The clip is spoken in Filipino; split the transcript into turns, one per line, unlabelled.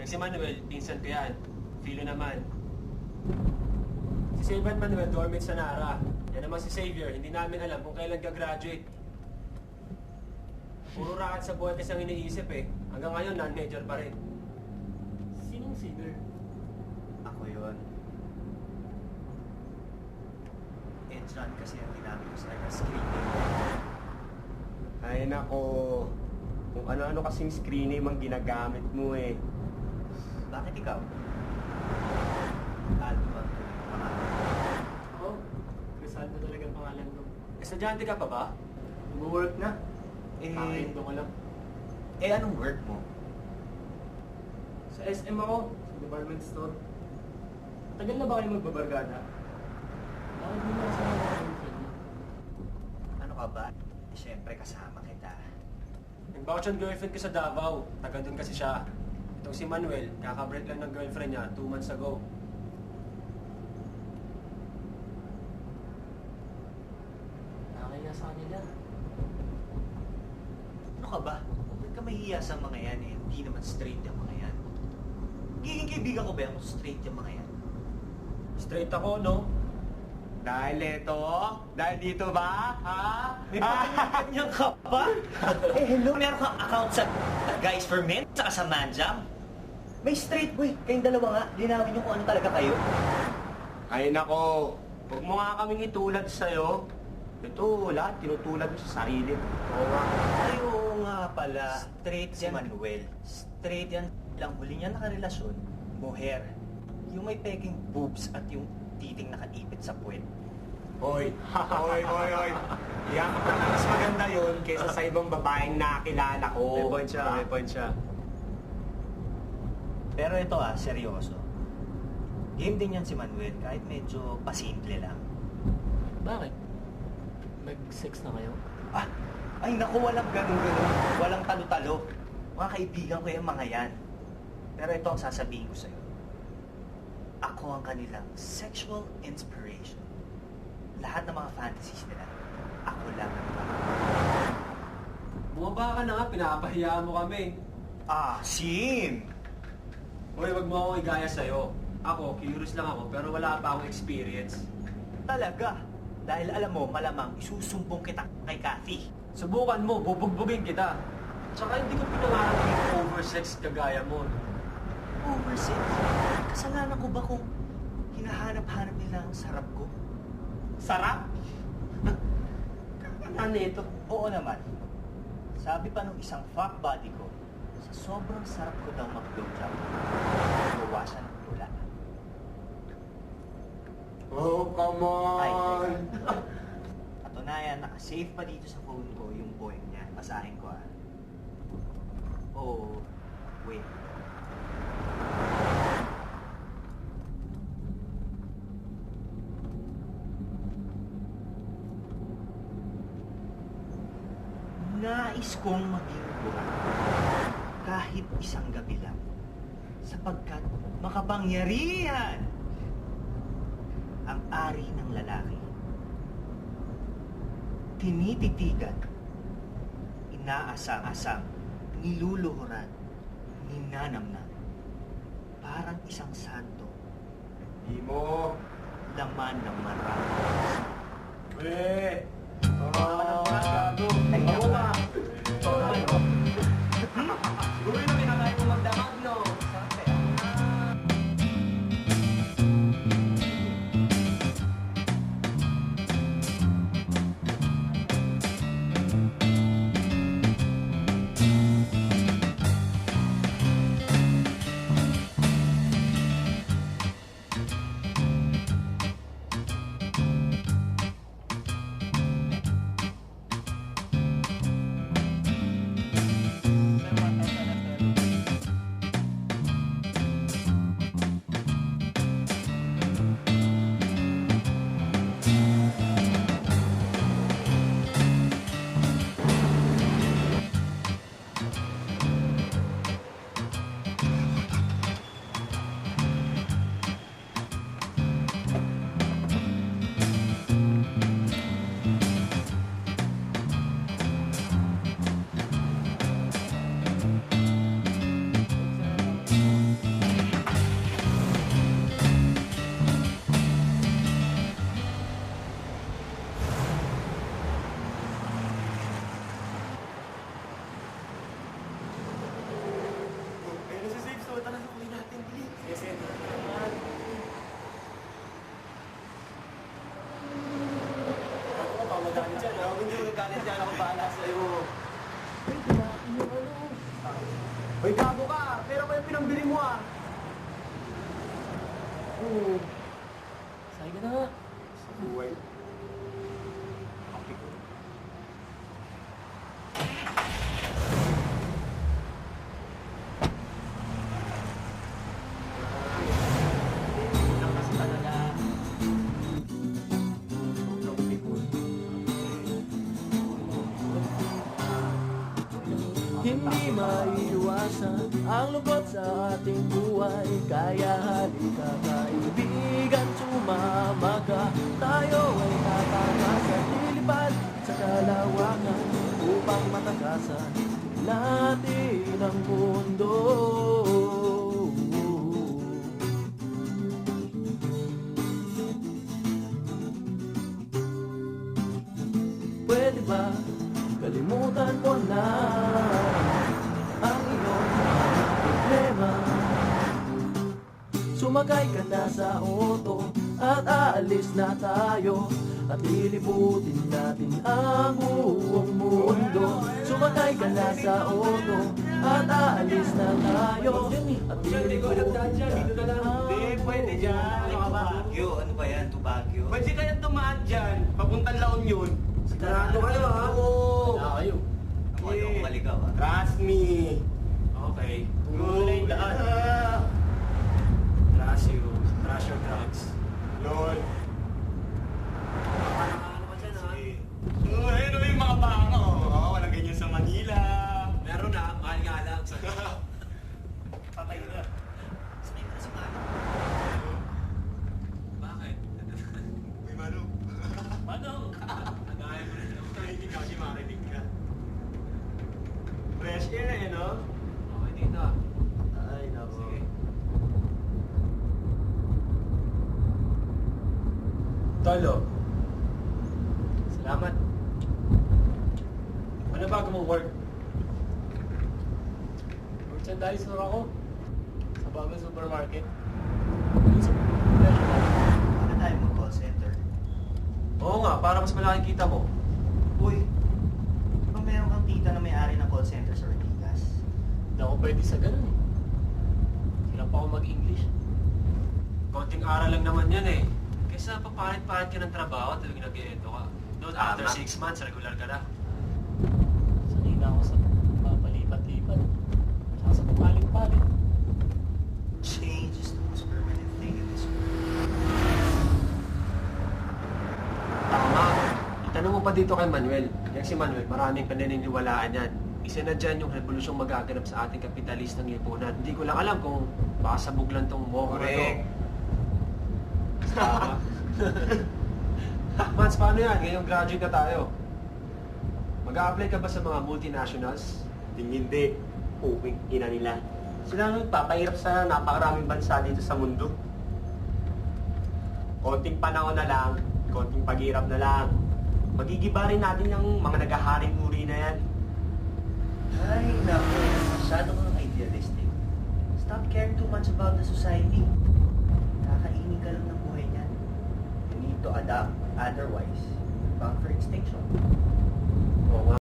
Yung si Manuel, pinsan ko yan. Filo naman. Si Sylvan Manuel, dormit sa Nara. Yan naman si Xavier, hindi namin alam kung kailan ka-graduate. Puro rakat sa buhay kasi ang iniisip eh. Hanggang ngayon, non-major pa rin.
Sinong singer?
Ako yun. Entran kasi ang ginamit ko sa kanya screening.
Ay nako, kung ano-ano kasing screen name ang ginagamit mo eh.
Bakit ikaw? Aldo ba?
Oo. Crisaldo talaga ang pangalan ko.
Estudyante ka pa ba?
Nag-work na.
Eh,
Doon ko lang.
anong work mo?
Sa SM ako. Sa department store. Tagal na ba kayo magbabargada? Bakit hindi na kasama ng girlfriend mo?
Ano ka ba? Siyempre kasama kita.
Nag-vouch ang girlfriend ko sa Davao. Taga doon kasi siya. Itong si Manuel, kakabreak lang ng girlfriend niya 2 months ago.
Nakakaya sa kanila.
Ano ka ba? Huwag ka mahihiya sa mga yan eh. Hindi naman straight yung mga yan. Giging kaibigan ko ba yung straight yung mga yan?
Straight ako, no?
Dahil ito? Dahil dito ba? Ha?
May pagkakanya ka ba? Eh hello, meron kang account sa Guys for Men, saka sa Manjam. May straight boy, kayong dalawa nga, linawin nyo kung ano talaga kayo.
Ay nako, huwag mo nga kaming itulad sa'yo. Ito, lahat tinutulad mo sa sarili mo.
Oo nga.
Ay, oo nga pala. Straight si Manuel. Straight yan. Lang huli niya nakarelasyon, moher. Yung may peking boobs at yung titing nakaipit sa puwet.
Hoy, hoy. Yan, mas maganda yun kaysa sa ibang babaeng nakilala ko.
May point siya, may point siya.
Pero ito seryoso. Game din yan si Manuel kahit medyo pasimple lang.
Bakit? Nag-sex na kayo?
Ay naku, walang ganun-ganun. Walang talo-talo. Mga kaibigan ko yung mga yan. Pero ito ang sasabihin ko sa'yo. Ako ang kanilang sexual inspiration. Lahat ng mga fantasies nila, ako lang ang
Bumaba ka na nga, pinapahiya mo kami.
Sim!
Hoy, wag mo akong igaya sa'yo. Ako, curious lang ako, pero wala pa akong experience.
Talaga. Dahil alam mo, malamang isusumbong kita kay Kathy.
Subukan mo, bubugbugin kita. Tsaka hindi ko pinangarap yung oversex kagaya mo.
Oversex? Kasalanan ko ba kung hinahanap-hanap nila ang sarap ko?
Sarap? Ano ito?
Oo naman. Sabi pa nung isang fuck buddy ko, sa sobrang sarap ko daw mag-blowjob, bawasan ang tula.
Oh, come
Ay,
on!
teka. Katunayan, nakasave pa dito sa phone ko yung poem niya. Basahin ko Oh, wait. Nais kong maging buwan kahit isang gabi lang sapagkat makapangyarihan ang ari ng lalaki. Tinititigan, inaasang-asang, niluluhuran, ninanamnam. Parang isang santo,
Di mo.
laman ng marami.
Eh!
Ay,
Oo nga.
Siguro yun ang pinakain mo magdamag, no?
Hoy, gago ka! Pera ko yung pinambili mo ah!
Oo. Say ka na nga.
Sa buhay. Kapi ko.
Lakas talaga. Sobrang bigon. Hindi maiiwasan ang lungkot sa ating buhay. Kaya halika kaibigan, sumama ka. Tayo ay tatakasan, lilipad sa kalawakan upang matakasan natin ang mundo. Pwede ba kalimutan mo na ang iyong mga problema? Sumakay ka na sa auto at aalis na tayo, at lilibutin natin ang buong mundo. Sumakay ka na sa auto at aalis na tayo, at lilibutin natin ang
Hindi, pwede dyan. Ano ka ba?
Baguio, ano ba yan? To Baguio?
Pwede kaya tumaan dyan. Papuntang La Union. Sigurado kayo ha? Oo.
Wala kayo.
Ako ayoko maligaw ah.
Trust me.
Okay.
Gulay daan.
Trust you. Trust your drugs.
Lol.
Ano ka dyan, ha?
Ayun yung mga bako. Oo, walang ganyan sa Manila.
Meron na, mahal nga lang.
Patay na. Sanay ka na si Mano.
Bakit?
Uy, Manu.
Manong!
Nagaya mo na lang.
Hindi ka kasi marinig ka. Fresh air eh, no?
Okay dito, ah.
Ay, nako.
Sige. Tolo. Salamat. Ano bago mong work?
Merchandise store ako. Sa bagong supermarket.
Ano tayo mag-call center?
Oo nga, para mas malaki kita mo.
Uy, di ba meron kang tita na may-ari ng call center sa Ortigas?
Hindi ako pwede sa ganun eh. Hirap ako mag-English.
Konting aral lang naman yan eh. Kaysa papalit-palit ka ng trabaho, talagang nag-eento ka. Doon, after
Tama.
6 months, regular ka na.
Sanay na ako sa papalipat-lipat. Saka sa papalit-palit.
Change is the most permanent thing in this world.
Tama. Itanong mo pa dito kay Manuel. Yang si Manuel, maraming pananiniwalaan yan. Isa na dyan yung revolusyong magaganap sa ating kapitalistang lipunan. Hindi ko lang alam kung baka sabog lang tong moho na to.
Correct.
Tama. Mans, paano yan? Ngayong graduate na tayo. Mag-a-apply ka ba sa mga multinationals?
Hindi. Puking ina nila. Sila nang papahirap sa napakaraming bansa dito sa mundo. Konting panahon na lang, konting paghirap na lang. Magigiba rin natin yung mga nagaharing uri na yan.
Ay, naku. Masyado kang idealistic. Stop caring too much about the society. Kakainin ka lang ng buhay niyan. You need to adapt. Otherwise, bound for extinction.
Oo nga.